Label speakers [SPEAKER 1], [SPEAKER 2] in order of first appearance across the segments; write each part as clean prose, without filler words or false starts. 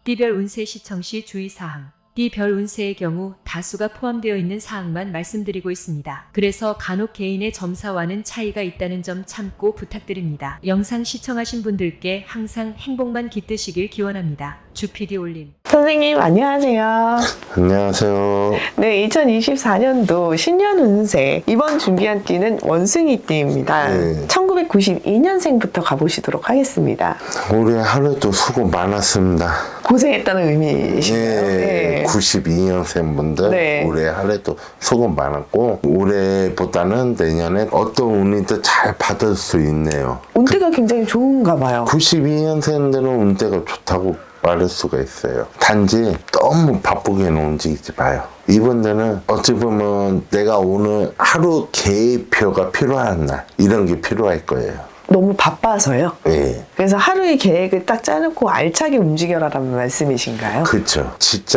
[SPEAKER 1] D별 운세 시청 시 주의사항. D별 운세의 경우 다수가 포함되어 있는 사항만 말씀드리고 있습니다. 그래서 간혹 개인의 점사와는 차이가 있다는 점 참고 부탁드립니다. 영상 시청하신 분들께 항상 행복만 깃드시길 기원합니다. 주PD 올림.
[SPEAKER 2] 선생님 안녕하세요.
[SPEAKER 3] 안녕하세요.
[SPEAKER 2] 네, 2024년도 신년 운세 이번 준비한 띠는 원숭이 띠입니다.
[SPEAKER 3] 네.
[SPEAKER 2] 1992년생부터 가보시도록 하겠습니다.
[SPEAKER 3] 올해 하루도 수고 많았습니다.
[SPEAKER 2] 고생했다는 의미이신가요?
[SPEAKER 3] 네. 92년생 분들
[SPEAKER 2] 네.
[SPEAKER 3] 올해 하루도 수고 많았고 올해보다는 내년에 어떤 운이도 잘 받을 수 있네요.
[SPEAKER 2] 운대가 굉장히 좋은가 봐요.
[SPEAKER 3] 92년생들은 운대가 좋다고 말할 수가 있어요. 단지 너무 바쁘게는 움직이지 마요. 이분들은 어찌 보면 내가 오늘 하루 계획표가 필요한 날 이런 게 필요할 거예요.
[SPEAKER 2] 너무 바빠서요?
[SPEAKER 3] 예.
[SPEAKER 2] 그래서 하루의 계획을 딱 짜놓고 알차게 움직여라라는 말씀이신가요?
[SPEAKER 3] 그렇죠.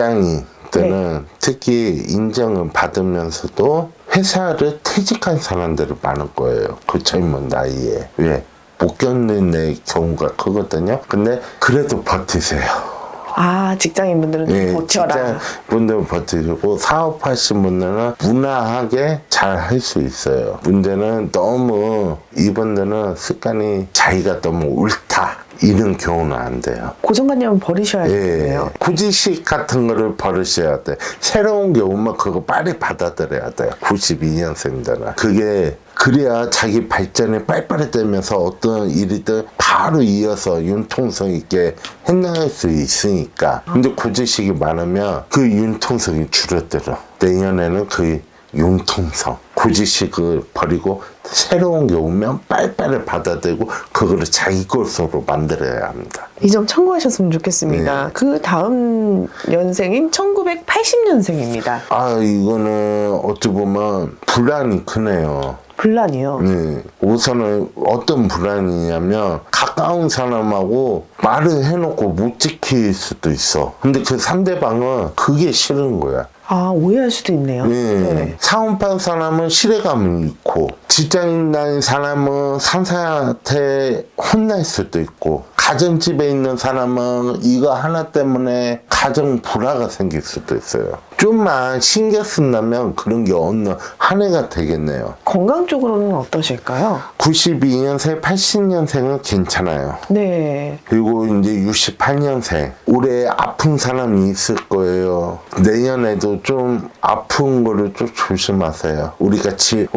[SPEAKER 3] 직장인들은 특히 인정을 받으면서도 회사를 퇴직한 사람들이 많을 거예요. 그 젊은 나이에. 왜? 못 견디는 경우가 크거든요. 근데 그래도 버티세요.
[SPEAKER 2] 아, 직장인분들은 좀
[SPEAKER 3] 예,
[SPEAKER 2] 버텨라.
[SPEAKER 3] 직장분들은 버티시고 사업하신 분들은 무난하게 잘 할 수 있어요. 문제는 너무 이분들은 습관이 자기가 너무 옳다 이런 경우는 안 돼요.
[SPEAKER 2] 고정관념은 버리셔야겠네요.
[SPEAKER 3] 예, 구지식 같은 거를 버리셔야 돼. 새로운 게 오면 그거 빨리 받아들여야 돼요. 92년생들은. 그게 그래야 자기 발전이 빨리빨리 되면서 어떤 일이든 바로 이어서 융통성 있게 해나갈 수 있으니까. 근데 구지식이 많으면 그 융통성이 줄어들어. 내년에는 그 융통성, 구지식을 버리고 새로운 게 오면 빨리빨리 받아들이고 그거를 자기 것으로 만들어야 합니다.
[SPEAKER 2] 이 점 참고하셨으면 좋겠습니다.
[SPEAKER 3] 네.
[SPEAKER 2] 그 다음 년생인 1980년생입니다.
[SPEAKER 3] 아, 이거는 어찌 보면 불안이 크네요.
[SPEAKER 2] 분란이요.
[SPEAKER 3] 네. 우선은 어떤 불안이냐면 가까운 사람하고 말을 해놓고 못 지킬 수도 있어. 근데 그 상대방은 그게 싫은 거야.
[SPEAKER 2] 아, 오해할 수도 있네요.
[SPEAKER 3] 네. 사업한 사람은 신뢰감이 있고 직장인 다닌 사람은 상사한테 혼날 수도 있고 가정집에 있는 사람은 이거 하나 때문에 가정 불화가 생길 수도 있어요. 좀만 신경 쓴다면 그런 게 없는 한 해가 되겠네요.
[SPEAKER 2] 건강 쪽으로는 어떠실까요?
[SPEAKER 3] 92년생, 80년생은 괜찮아요.
[SPEAKER 2] 네.
[SPEAKER 3] 그리고 이제 68년생 올해 아픈 사람이 있을 거예요. 내년에도 좀 아픈 거를 좀 조심하세요. 우리가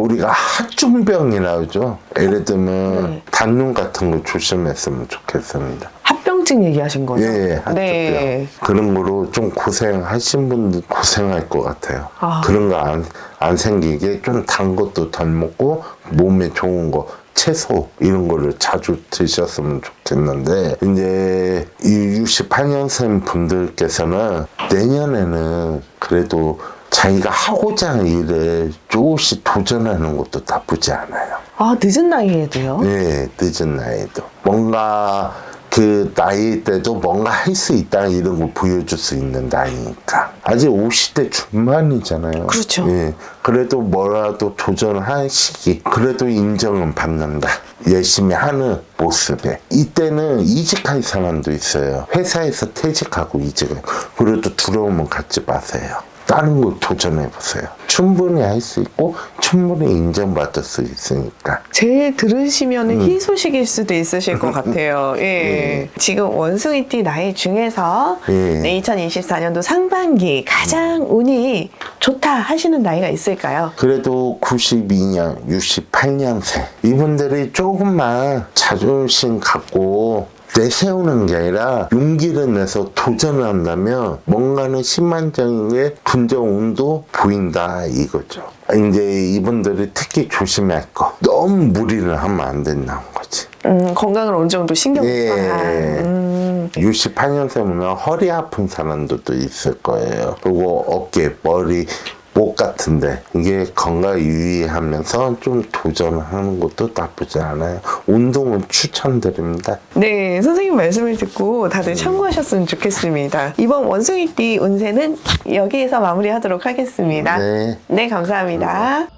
[SPEAKER 3] 하중병이라 하죠. 예를 들면 단눈 같은 거 조심했으면 좋겠습니다.
[SPEAKER 2] 합병증 얘기하신 거죠?
[SPEAKER 3] 예, 하중병.
[SPEAKER 2] 네.
[SPEAKER 3] 그런 거로 좀 고생하신 분들 고생할 것 같아요.
[SPEAKER 2] 아.
[SPEAKER 3] 그런 거 안 생기게 좀 단 것도 덜 먹고 몸에 좋은 거 채소 이런 거를 자주 드셨으면 좋겠는데 이제 이 68년생 분들께서는 내년에는 그래도 자기가 하고자 하는 일을 조금씩 도전하는 것도 나쁘지 않아요.
[SPEAKER 2] 아, 늦은 나이에도요?
[SPEAKER 3] 네, 늦은 나이에도 뭔가 그 나이 때도 뭔가 할 수 있다 이런 걸 보여줄 수 있는 나이니까 아직 50대 중반이잖아요.
[SPEAKER 2] 그렇죠.
[SPEAKER 3] 예, 그래도 뭐라도 도전할 시기 그래도 인정은 받는다. 열심히 하는 모습에 이때는 이직할 사람도 있어요. 회사에서 퇴직하고 이직을. 그래도 두려움은 갖지 마세요. 다른 거 도전해보세요. 충분히 할 수 있고 충분히 인정받을 수 있으니까.
[SPEAKER 2] 제 들으시면 희소식일 수도 있으실 것 같아요. 예. 지금 원숭이띠 나이 중에서 네, 2024년도 상반기 가장 운이 좋다 하시는 나이가 있을까요?
[SPEAKER 3] 그래도 92년, 68년생 이분들이 조금만 자존심 갖고 내세우는 게 아니라 용기를 내서 도전을 한다면 뭔가는 신만적인 게 긍정운도 보인다 이거죠. 이제 이분들이 특히 조심할 거 너무 무리를 하면 안 된다는 거지.
[SPEAKER 2] 건강을 어느 정도 신경 써야.
[SPEAKER 3] 68년생이면 허리 아픈 사람들도 있을 거예요. 그리고 어깨, 머리, 목 같은데 이게 건강 유의하면서 좀 도전하는 것도 나쁘지 않아요. 운동은 추천드립니다.
[SPEAKER 2] 네, 선생님 말씀을 듣고 다들 참고하셨으면 좋겠습니다. 이번 원숭이띠 운세는 여기에서 마무리하도록 하겠습니다.
[SPEAKER 3] 네.
[SPEAKER 2] 네, 감사합니다.